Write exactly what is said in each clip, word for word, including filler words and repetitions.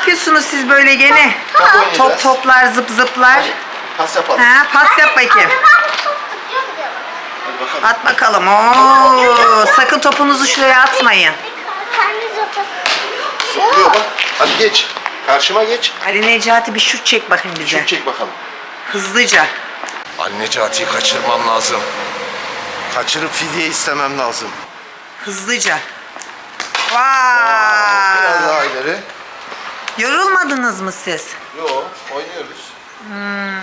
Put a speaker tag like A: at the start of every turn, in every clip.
A: yapıyorsunuz siz böyle gene?
B: Top oynayacağız.
A: Top toplar, zıp zıplar.
B: Hadi, pas yapalım.
A: Ha, pas yap bakayım.
B: Hadi bakalım.
A: At bakalım. Oo, sakın topunuzu şuraya atmayın.
B: Zıplıyor bak. Hadi geç. Karşıma geç.
A: Hadi Necati bir şut çek bakayım bize.
B: Şut çek bakalım.
A: Hızlıca.
B: Ali Necati'yi kaçırmam lazım. Kaçırıp fidye istemem lazım.
A: Hızlıca.
B: Biraz
A: Vay.
B: daha ileri.
A: Yorulmadınız mı siz?
B: Yo, oynuyoruz.
A: Hmm.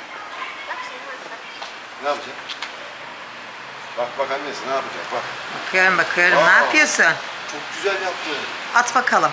B: Ne yapacak? Bak bak annesi ne yapacak bak.
A: Bakıyorum bakıyorum.
B: Aa.
A: Ne yapıyorsun?
B: Çok güzel yaptın.
A: At bakalım.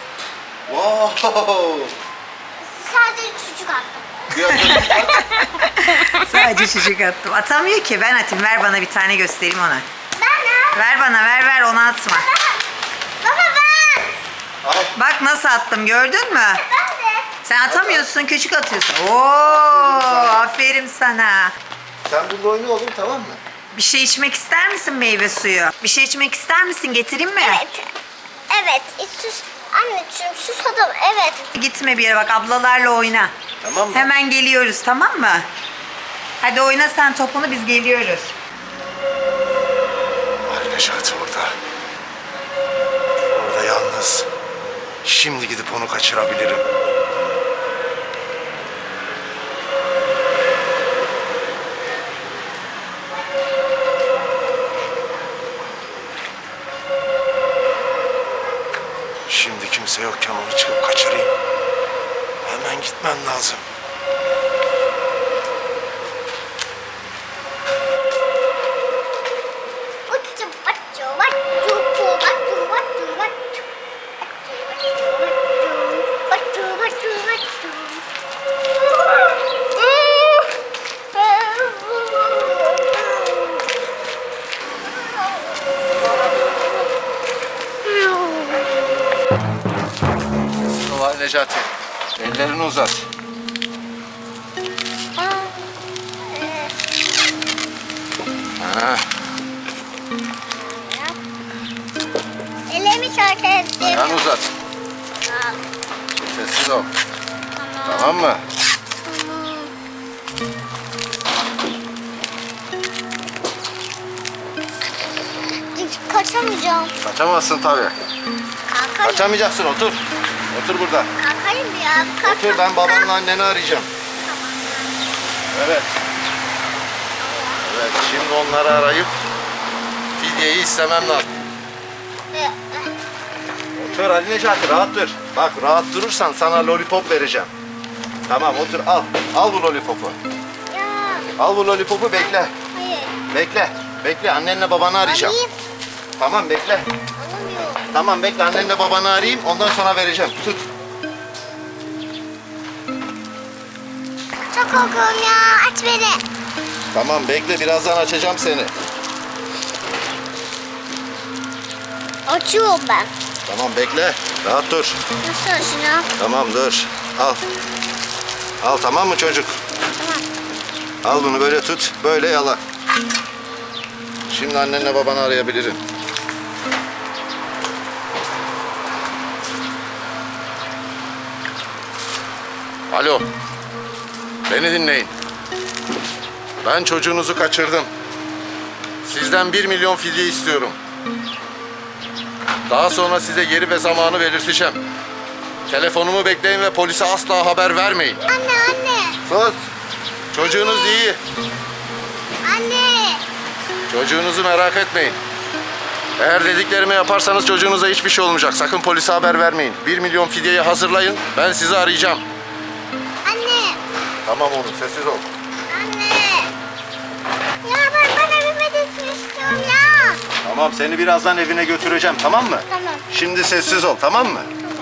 B: Wow.
C: Sadece çocuk attım.
B: Biraz da
A: Sadece çocuk attım. Atamıyor ki. Ben atayım. Ver bana bir tane göstereyim ona.
C: Ben
A: Ver bana ver ver onu atma.
C: Baba ben.
B: Al.
A: Bak nasıl attım gördün mü?
C: Ben de.
A: Sen atamıyorsun küçük atıyorsun. Oo, aferin sana.
B: Sen burada oyna oğlum tamam mı?
A: Bir şey içmek ister misin meyve suyu? Bir şey içmek ister misin? Getireyim mi?
C: Evet. Evet. Hiç sus. Anneciğim susadım. Evet.
A: Gitme bir yere bak ablalarla oyna.
B: Tamam mı?
A: Hemen geliyoruz tamam mı? Hadi oyna sen topunu biz geliyoruz.
B: Ali Necati orada. Orada yalnız. Şimdi gidip onu kaçırabilirim. Şimdi kimse yokken onu çıkıp kaçırayım. Hemen gitmem lazım.
C: Uçtu baçı baçı baçı baçı baçı. Baçı baçı baçı.
B: Ali Necati. Ellerini uzat. Ha.
C: Elimi şarkı ettim.
B: Ayağını uzat. Sessiz ol. Tamam mı?
C: Kaçamayacağım.
B: Kaçamazsın tabii.
C: Kalkayım.
B: Kaçamayacaksın otur. Otur burada.
C: Kalkayım ya. Kalk,
B: Otur ben babanla anneni arayacağım. Evet. Evet şimdi onları arayıp fidyeyi istemem lazım. Otur Ali Necati rahat dur. Bak rahat durursan sana lollipop vereceğim. Tamam otur al. Al bu lollipopu.
C: Ya.
B: Al bu lollipopu bekle.
C: Hayır.
B: Bekle. Bekle annenle babanı arayacağım.
C: Alayım.
B: Tamam bekle.
C: Alamıyorum.
B: Tamam bekle annenle babanı arayayım ondan sonra vereceğim. Tut.
C: Çok korkuyorum ya. Aç beni.
B: Tamam bekle birazdan açacağım seni.
C: Açıyorum ben.
B: Tamam bekle. Rahat dur.
C: Nasıl şunu?
B: Tamam dur. Al. Al tamam mı çocuk?
C: Tamam.
B: Al bunu böyle tut. Böyle yala. Şimdi annenle babanı arayabilirim. Alo. Beni dinleyin. Ben çocuğunuzu kaçırdım. Sizden bir milyon fidye istiyorum. Daha sonra size yeri ve zamanı belirteceğim. Telefonumu bekleyin ve polise asla haber vermeyin.
C: Anne anne.
B: Sus. Çocuğunuz iyi.
C: Anne.
B: Çocuğunuzu merak etmeyin. Eğer dediklerimi yaparsanız çocuğunuza hiçbir şey olmayacak. Sakın polise haber vermeyin. Bir milyon fidyeyi hazırlayın. Ben sizi arayacağım.
C: Anne.
B: Tamam oğlum sessiz ol.
C: Anne. Ya ben bana bir medet istiyorum ya.
B: Tamam seni birazdan evine götüreceğim tamam mı?
C: Tamam.
B: Şimdi sessiz ol tamam mı?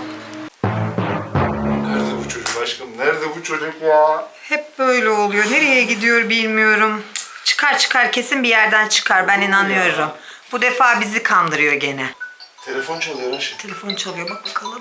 B: Nerede bu çocuk aşkım? Nerede bu çocuk ya?
A: Hep böyle oluyor. Nereye gidiyor bilmiyorum. Çıkar çıkar kesin bir yerden çıkar ben inanıyorum. Bu defa bizi kandırıyor gene.
B: Telefon çalıyor aşkım.
A: Telefon çalıyor bak bakalım.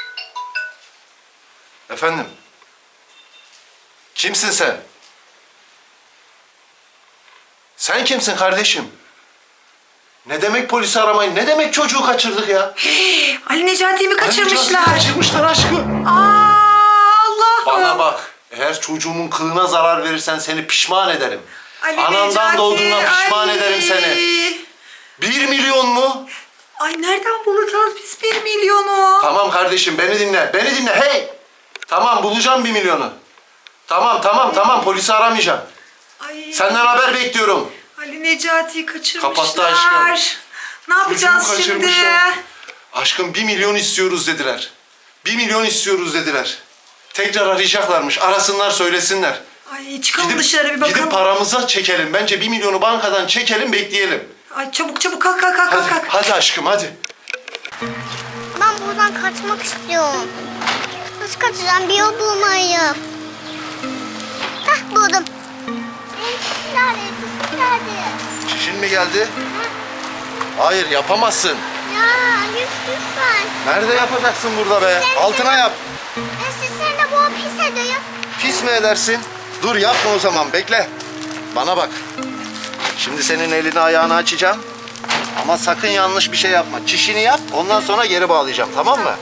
B: Efendim? Kimsin sen? Sen kimsin kardeşim? Ne demek polisi aramayın? Ne demek çocuğu kaçırdık ya?
A: Ali Necati'yi mi kaçırmışlar?
B: Necati'yi kaçırmışlar aşkım.
A: Aa Allah'ım.
B: Bana bak. Eğer çocuğumun kılına zarar verirsen seni pişman ederim.
A: Ali
B: Anandan
A: Necati,
B: doğduğuna pişman
A: ay.
B: ederim seni. Bir milyon mu?
A: Ay nereden bulacağız biz bir milyonu?
B: Tamam kardeşim beni dinle. Beni dinle hey. Tamam bulacağım bir milyonu. Tamam tamam tamam polisi aramayacağım.
A: Ay.
B: Senden haber bekliyorum.
A: Ali Necati'yi kaçırmışlar.
B: Kapattı aşkım.
A: Ne yapacağız
B: Çocuğu
A: şimdi?
B: kaçırmışlar. Aşkım bir milyon istiyoruz dediler. Bir milyon istiyoruz dediler. Tekrar arayacaklarmış. Arasınlar söylesinler.
A: Ay çıkalım dışarı bir bakalım.
B: Gidip paramıza çekelim. Bence bir milyonu bankadan çekelim bekleyelim.
A: Ay çabuk çabuk kalk kalk kalk
B: Hadi,
A: kalk.
B: hadi aşkım hadi.
C: Ben buradan kaçmak istiyorum. Nasıl kaçacağım? Bir yol bulmalıyım. Hah buldum. Elbise nerede? Elbise nerede?
B: Çişin mi geldi? Hayır yapamazsın.
C: Ya lütfen.
B: Nerede yapacaksın burada be? Altına yap.
C: Elbise de bu pis ediyor.
B: Pis mi edersin? Dur yapma o zaman bekle. Bana bak. Şimdi senin elini ayağını açacağım. Ama sakın yanlış bir şey yapma. Çişini yap ondan sonra geri bağlayacağım tamam mı?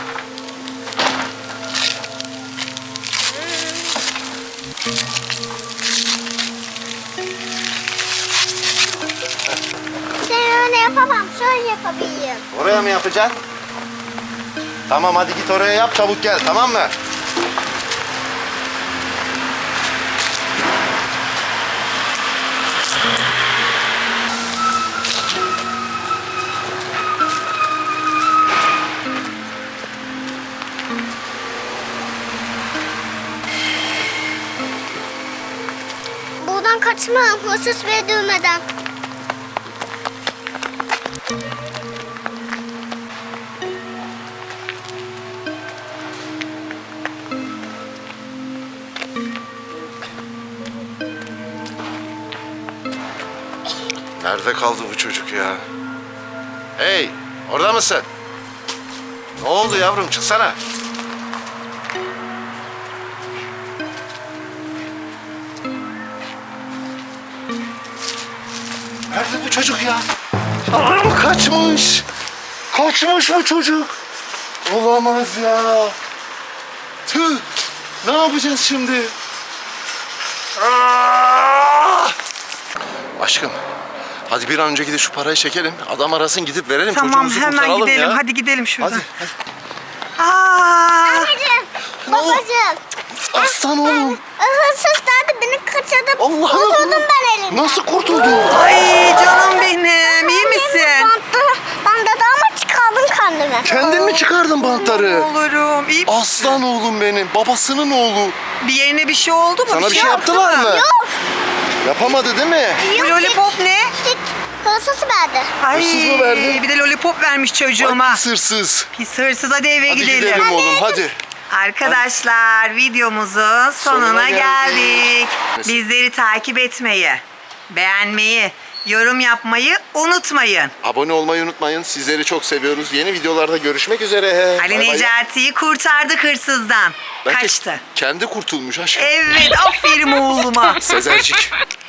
C: Sen öyle yapamam. Şöyle yapabilirim.
B: Oraya mı yapacaksın? Tamam hadi git oraya yap çabuk gel tamam mı?
C: Buradan kaçmam. Hırsız ve dövmeden.
B: Nerede kaldı bu çocuk ya? Hey orada mısın? Ne oldu yavrum çıksana. Nerede bu çocuk ya? Aa, kaçmış. Kaçmış bu çocuk. Olamaz ya. Tüh. Ne yapacağız şimdi? Aa! Aşkım. Hadi bir an önce gidip şu parayı çekelim. Adam arasın gidip verelim
A: Tamam
B: çocuğumuzu
A: hemen
B: kurtaralım
A: gidelim.
B: ya.
A: Hadi gidelim şuradan.
B: Hadi, hadi.
A: Aa,
C: Anneciğim,
B: Ne oldu?
C: babacığım.
B: Aslan oğlum.
C: Hırsız nerede? Beni kaçırdı.
B: Allah'ım.
C: Kurtuldum ben elimden.
B: Nasıl kurtuldun?
A: ay canım benim. İyi misin?
C: Bantta, banda da ama çıkardım kendimi.
B: Kendin mi çıkardın bantları?
A: Olurum. İyi misin?
B: Aslan oğlum benim. Babasının oğlu.
A: Bir yerine bir şey oldu mu?
B: Sana bir şey yaptılar mı?
C: Yok.
B: Yapamadı değil mi?
A: Bu lollipop ne?
C: Git. Hırsız verdi.
A: Ay,
B: Hırsız mı verdi?
A: Bir de lollipop vermiş çocuğuma.
B: Ay, pis hırsız.
A: Pis hırsız hadi eve
B: Hadi
A: gidelim.
B: gidelim oğlum hadi.
A: Arkadaşlar videomuzun sonuna,
B: Sonuna geldik.
A: geldik. Bizleri takip etmeyi, beğenmeyi, yorum yapmayı unutmayın.
B: Abone olmayı unutmayın. Sizleri çok seviyoruz. Yeni videolarda görüşmek üzere.
A: Ali
B: Bay bay.
A: Necati'yi kurtardık hırsızdan.
B: Belki
A: Kaçtı.
B: Kendi kurtulmuş aşkım.
A: Evet aferin oğluma.
B: Sezercik.